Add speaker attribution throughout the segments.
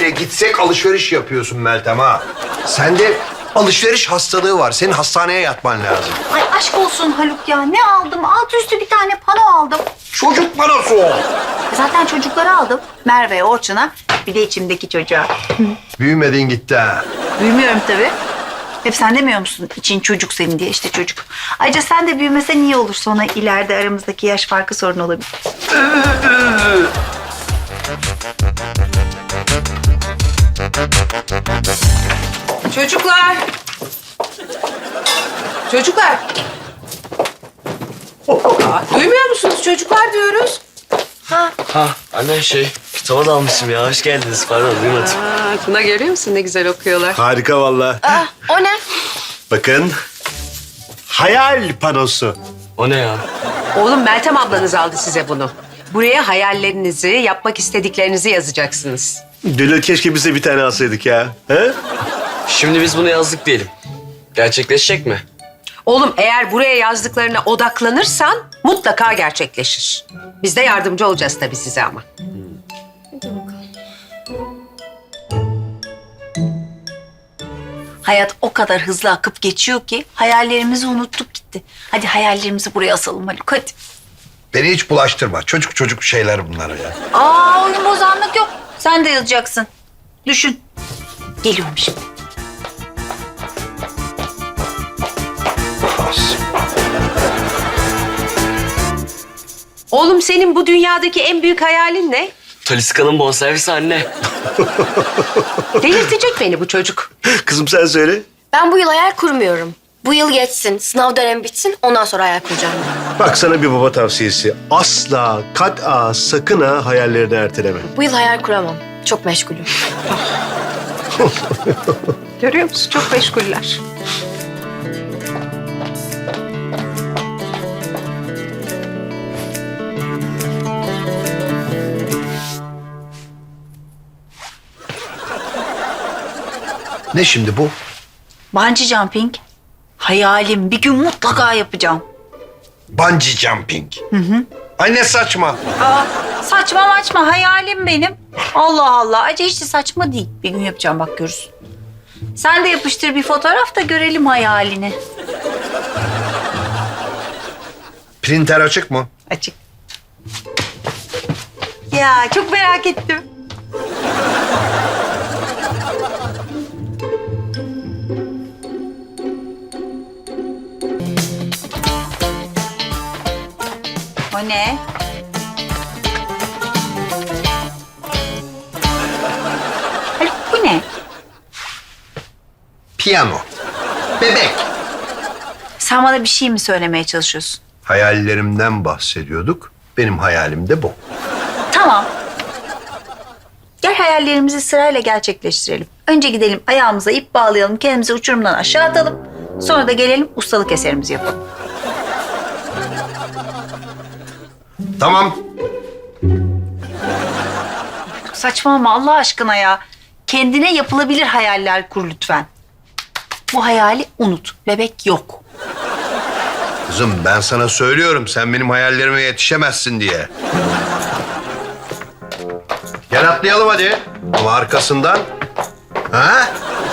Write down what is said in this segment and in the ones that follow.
Speaker 1: Nereye gitsek alışveriş yapıyorsun Meltem ha. Sende alışveriş hastalığı var. Senin hastaneye yatman lazım.
Speaker 2: Ay aşk olsun Haluk ya. Ne aldım? Alt üstü bir tane pano aldım.
Speaker 1: Çocuk panosu o.
Speaker 2: Zaten çocuklara aldım. Merve'ye, Orçun'a, bir de içimdeki çocuğa.
Speaker 1: Büyümedin gitti ha.
Speaker 2: Büyümüyorum tabii. Hep sen demiyor musun? İçin çocuk senin diye, işte çocuk. Ayrıca sen de büyümesen iyi olur. Sonra ileride aramızdaki yaş farkı sorun olabilir.
Speaker 3: Çocuklar. Çocuklar. Duymuyor musunuz? Çocuklar diyoruz.
Speaker 4: Ha anne kitaba dalmışım ya. Hoş geldiniz. Pardon duymadım.
Speaker 3: Tuna görüyor musun? Ne güzel okuyorlar.
Speaker 5: Harika vallahi.
Speaker 4: O ne?
Speaker 5: Bakın. Hayal panosu.
Speaker 4: O ne ya?
Speaker 3: Oğlum Meltem ablanız aldı size bunu. Buraya hayallerinizi, yapmak istediklerinizi yazacaksınız.
Speaker 5: Gönül keşke bize bir tane alsaydık ya. He?
Speaker 4: Şimdi biz bunu yazdık diyelim. Gerçekleşecek mi?
Speaker 3: Oğlum eğer buraya yazdıklarına odaklanırsan mutlaka gerçekleşir. Biz de yardımcı olacağız tabii size ama.
Speaker 2: Hayat o kadar hızlı akıp geçiyor ki hayallerimizi unuttuk gitti. Hadi hayallerimizi buraya asalım Haluk, hadi.
Speaker 1: Beni hiç bulaştırma. Çocuk şeyler bunlar ya.
Speaker 2: Aa, oyun bozanlık yok. Sen de yazacaksın. Düşün. Geliyorum şimdi.
Speaker 3: Oğlum senin bu dünyadaki en büyük hayalin ne?
Speaker 4: Taliska'nın bonservisi anne.
Speaker 3: Delirtecek beni bu çocuk.
Speaker 5: Kızım sen söyle.
Speaker 6: Ben bu yıl hayal kurmuyorum. Bu yıl geçsin, sınav dönemi bitsin, ondan sonra hayal kuracağım.
Speaker 5: Bak sana bir baba tavsiyesi. Asla, kat'a, sakın ha hayallerini erteleme.
Speaker 6: Bu yıl hayal kuramam. Çok meşgulüm.
Speaker 3: Görüyor musun? Çok meşguller.
Speaker 1: Ne şimdi bu?
Speaker 2: Bungee jumping. Hayalim. Bir gün mutlaka yapacağım.
Speaker 1: Bungee jumping. Ay ne saçma.
Speaker 2: Aa, saçma maçma hayalim benim. Allah Allah. Acı hiç de saçma değil. Bir gün yapacağım, bak görürsün. Sen de yapıştır bir fotoğraf da görelim hayalini.
Speaker 1: Printer açık mı?
Speaker 2: Açık. Ya çok merak ettim. O ne? Haluk, bu ne?
Speaker 1: Piyano. Bebek.
Speaker 2: Sen bana bir şey mi söylemeye çalışıyorsun?
Speaker 1: Hayallerimden bahsediyorduk. Benim hayalim de bu.
Speaker 2: Tamam. Gel hayallerimizi sırayla gerçekleştirelim. Önce gidelim ayağımıza ip bağlayalım, kendimizi uçurumdan aşağı atalım. Sonra da gelelim ustalık eserimizi yapalım.
Speaker 1: Tamam.
Speaker 2: Saçmalama Allah aşkına ya. Kendine yapılabilir hayaller kur lütfen. Bu hayali unut. Bebek yok.
Speaker 1: Kızım ben sana söylüyorum sen benim hayallerime yetişemezsin diye. Gel atlayalım hadi. Ama arkasından. Ha?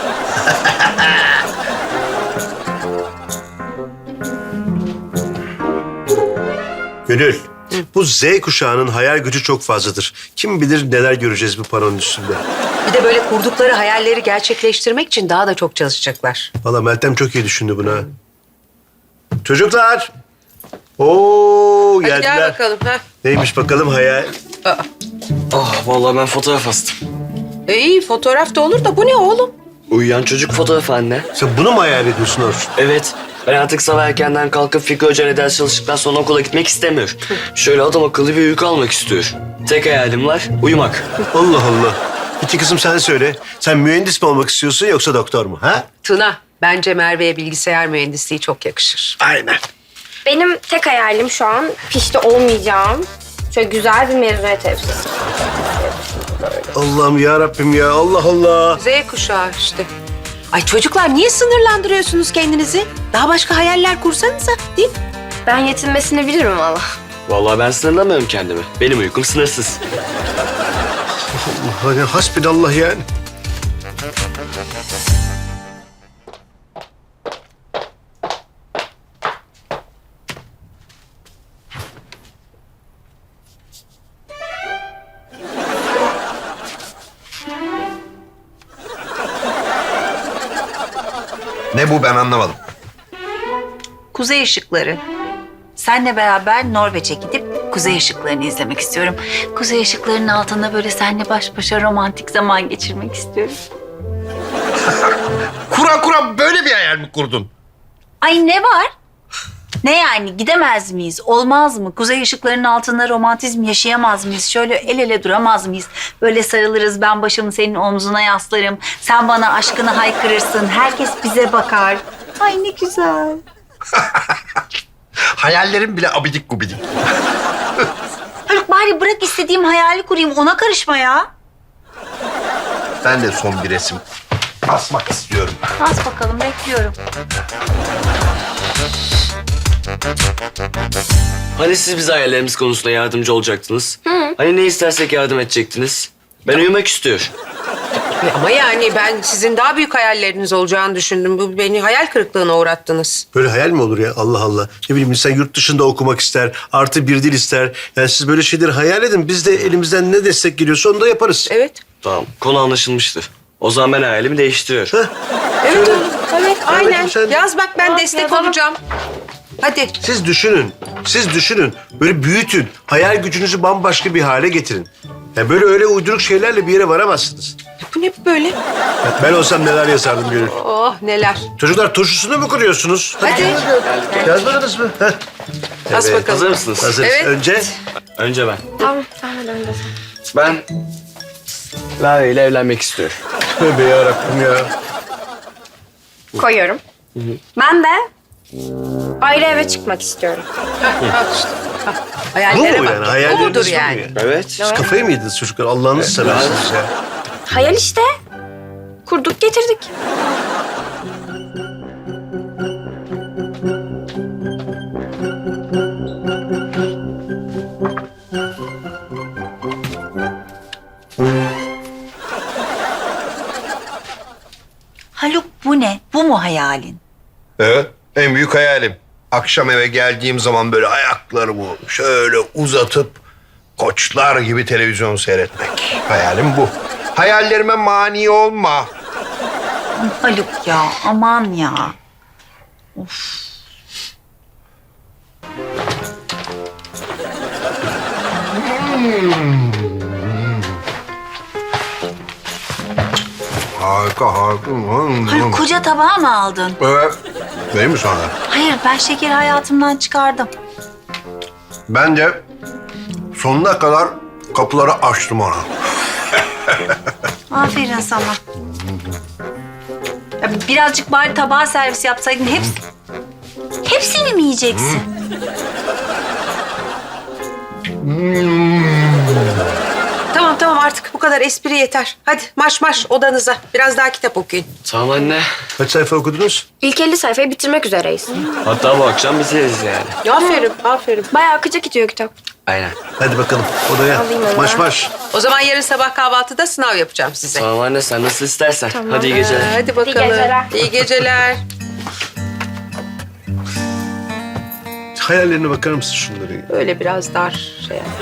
Speaker 5: Gönül, bu Z kuşağının hayal gücü çok fazladır. Kim bilir neler göreceğiz bu paranın üstünde.
Speaker 3: Bir de böyle kurdukları hayalleri gerçekleştirmek için daha da çok çalışacaklar.
Speaker 5: Vallahi Meltem çok iyi düşündü bunu ha. Çocuklar. Oo
Speaker 3: Hadi
Speaker 5: geldiler.
Speaker 3: gel bakalım. Ha.
Speaker 5: Neymiş bakalım hayal.
Speaker 4: Vallahi ben fotoğraf astım.
Speaker 3: İyi fotoğraf da olur da bu ne oğlum?
Speaker 4: Uyuyan çocuk fotoğrafı anne.
Speaker 5: Sen bunu mu hayal ediyorsun Orçun?
Speaker 4: Evet. Ben artık sabah erkenden kalkıp Fikri Hoca'yla ders çalıştıktan sonra okula gitmek istemiyorum. Şöyle adam akıllı bir uyku almak istiyorum. Tek hayalim var, uyumak.
Speaker 5: Allah Allah. Peki kızım sen söyle. Sen mühendis mi olmak istiyorsun yoksa doktor mu? Ha?
Speaker 3: Tuna, bence Merve'ye bilgisayar mühendisliği çok yakışır.
Speaker 5: Aynen.
Speaker 6: Benim tek hayalim şu an pişti olmayacağım. Şöyle güzel bir mezuniyet elbisesi.
Speaker 5: Allah'ım ya Rabbim ya. Allah Allah.
Speaker 3: Z kuşağı işte. Ay çocuklar niye sınırlandırıyorsunuz kendinizi? Daha başka hayaller kursanıza değil mi?
Speaker 6: Ben yetinmesini bilirim valla.
Speaker 4: Vallahi ben sınırlamıyorum kendimi. Benim uykum sınırsız.
Speaker 5: Allah ya, hasbinallah yani.
Speaker 1: Ne bu, ben anlamadım.
Speaker 2: Kuzey ışıkları. Senle beraber Norveç'e gidip kuzey ışıklarını izlemek istiyorum. Kuzey ışıklarının altında böyle seninle baş başa romantik zaman geçirmek istiyorum.
Speaker 1: Kura böyle bir hayal mi kurdun?
Speaker 2: Ay ne var? Ne yani, gidemez miyiz? Olmaz mı? Kuzey ışıklarının altında romantizm yaşayamaz mıyız? Şöyle el ele duramaz mıyız? Böyle sarılırız, ben başımı senin omzuna yaslarım. Sen bana aşkını haykırırsın. Herkes bize bakar. Ay ne güzel.
Speaker 1: Hayallerim bile abidik gubidik.
Speaker 2: Haluk bari bırak istediğim hayali kurayım. Ona karışma ya.
Speaker 1: Ben de son bir resim asmak istiyorum.
Speaker 2: Bas bakalım, bekliyorum.
Speaker 4: Hani siz bize hayallerimiz konusunda yardımcı olacaktınız? Hani ne istersek yardım edecektiniz? Ben uyumak istiyorum.
Speaker 3: Ama yani ben sizin daha büyük hayalleriniz olacağını düşündüm. Bu beni hayal kırıklığına uğrattınız.
Speaker 5: Böyle hayal mi olur ya? Allah Allah. Ne bileyim, insan yurt dışında okumak ister, artı bir dil ister. Yani siz böyle şeyleri hayal edin. Biz de elimizden ne destek geliyorsa onu da yaparız.
Speaker 3: Evet.
Speaker 4: Tamam, konu anlaşılmıştır. O zaman ben hayalimi değiştiriyorum.
Speaker 3: Evet oğlum. Evet, aynen.
Speaker 5: bakayım sen.
Speaker 3: Yaz bak, ben destek
Speaker 2: yazalım.
Speaker 3: olacağım. Hadi.
Speaker 5: Siz düşünün. Böyle büyütün. Hayal gücünüzü bambaşka bir hale getirin. Yani böyle öyle uyduruk şeylerle bir yere varamazsınız.
Speaker 3: Bu ne böyle?
Speaker 5: Ya ben olsam neler yazardım Gönül.
Speaker 3: Oh neler.
Speaker 5: Çocuklar, turşusunu mu kuruyorsunuz?
Speaker 3: Hadi.
Speaker 5: Yazmadınız mı? Heh.
Speaker 3: Bas
Speaker 5: Evet.
Speaker 3: bakalım.
Speaker 4: Hazır mısınız?
Speaker 5: Hazırız.
Speaker 3: Evet.
Speaker 5: Önce
Speaker 4: Ben.
Speaker 6: Tamam hadi önce.
Speaker 4: Ben Lale ile evlenmek istiyorum.
Speaker 5: tövbe yarabbim ya.
Speaker 6: Koyuyorum. Ben de ayrı eve çıkmak istiyorum.
Speaker 3: Al işte. Al.
Speaker 5: Bu
Speaker 3: Hayallere
Speaker 5: mu
Speaker 3: bak.
Speaker 5: yani?
Speaker 3: Bu
Speaker 5: Hayalleriniz
Speaker 3: mudur
Speaker 5: bu mu
Speaker 3: yani?
Speaker 5: yani?
Speaker 4: Evet.
Speaker 5: Siz kafayı mı yediniz çocuklar? Allah'ınızı seversiniz ya.
Speaker 6: Hayal işte. Kurduk getirdik.
Speaker 2: Haluk bu ne? Bu mu hayalin?
Speaker 1: Evet, en büyük hayalim. Akşam eve geldiğim zaman böyle ayaklarımı şöyle uzatıp koçlar gibi televizyon seyretmek. Hayalim bu. Hayallerime mani olma.
Speaker 2: Haluk ya, aman ya.
Speaker 1: Harika.
Speaker 2: Haluk koca tabağı mı aldın?
Speaker 1: Evet. Benim mi sonra?
Speaker 2: Hayır, ben şekeri hayatımdan çıkardım.
Speaker 1: Ben de sonuna kadar kapıları açtım ona.
Speaker 2: Aferin sana. Ya birazcık bari tabağa servis yapsaydın. Hepsini mi yiyeceksin?
Speaker 3: Tamam artık bu kadar espri yeter. Hadi marş odanıza. Biraz daha kitap okuyun.
Speaker 4: Tamam anne.
Speaker 5: Kaç sayfa okudunuz?
Speaker 6: İlk 50 sayfayı bitirmek üzereyiz.
Speaker 4: Hatta bu akşam bitiririz yani.
Speaker 3: Aferin.
Speaker 6: Bayağı akıcı gidiyor kitap.
Speaker 4: Aynen.
Speaker 5: Hadi bakalım odaya.
Speaker 6: Alayım onu.
Speaker 5: Marş.
Speaker 3: O zaman yarın sabah kahvaltıda sınav yapacağım size.
Speaker 4: Tamam anne, sen nasıl istersen. Hadi iyi geceler.
Speaker 3: Hadi bakalım.
Speaker 6: geceler.
Speaker 3: İyi geceler.
Speaker 5: Hayallerine bakar mısın şunları?
Speaker 3: Öyle biraz dar şey yap.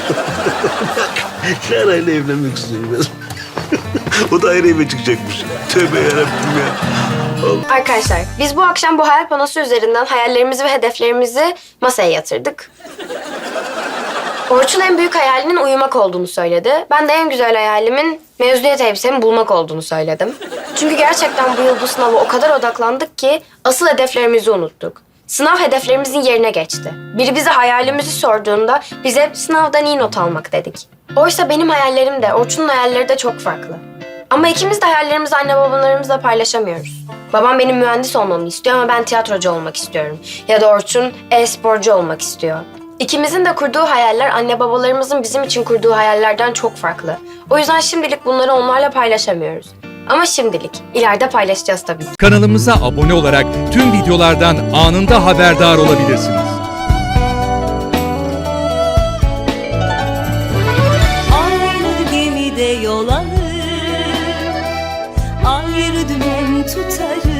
Speaker 5: Şarayla evlenmek istiyorum. O da ayrı eve çıkacakmış. Tövbe yarabbim ya.
Speaker 6: Arkadaşlar biz bu akşam bu hayal panosu üzerinden hayallerimizi ve hedeflerimizi masaya yatırdık. Orçun en büyük hayalinin uyumak olduğunu söyledi. Ben de en güzel hayalimin mezuniyet elbisemi bulmak olduğunu söyledim. Çünkü gerçekten bu yıl bu sınava o kadar odaklandık ki asıl hedeflerimizi unuttuk. Sınav hedeflerimizin yerine geçti. Biri bize hayalimizi sorduğunda bize sınavdan iyi not almak dedik. Oysa benim hayallerim de Orçun'un hayalleri de çok farklı. Ama ikimiz de hayallerimizi anne babalarımızla paylaşamıyoruz. Babam benim mühendis olmamı istiyor ama ben tiyatrocu olmak istiyorum. Ya da Orçun e-sporcu olmak istiyor. İkimizin de kurduğu hayaller anne babalarımızın bizim için kurduğu hayallerden çok farklı. O yüzden şimdilik bunları onlarla paylaşamıyoruz. Ama şimdilik, ileride paylaşacağız tabii.
Speaker 7: Kanalımıza abone olarak tüm videolardan anında haberdar olabilirsiniz.
Speaker 8: Aynı gemide tutarım.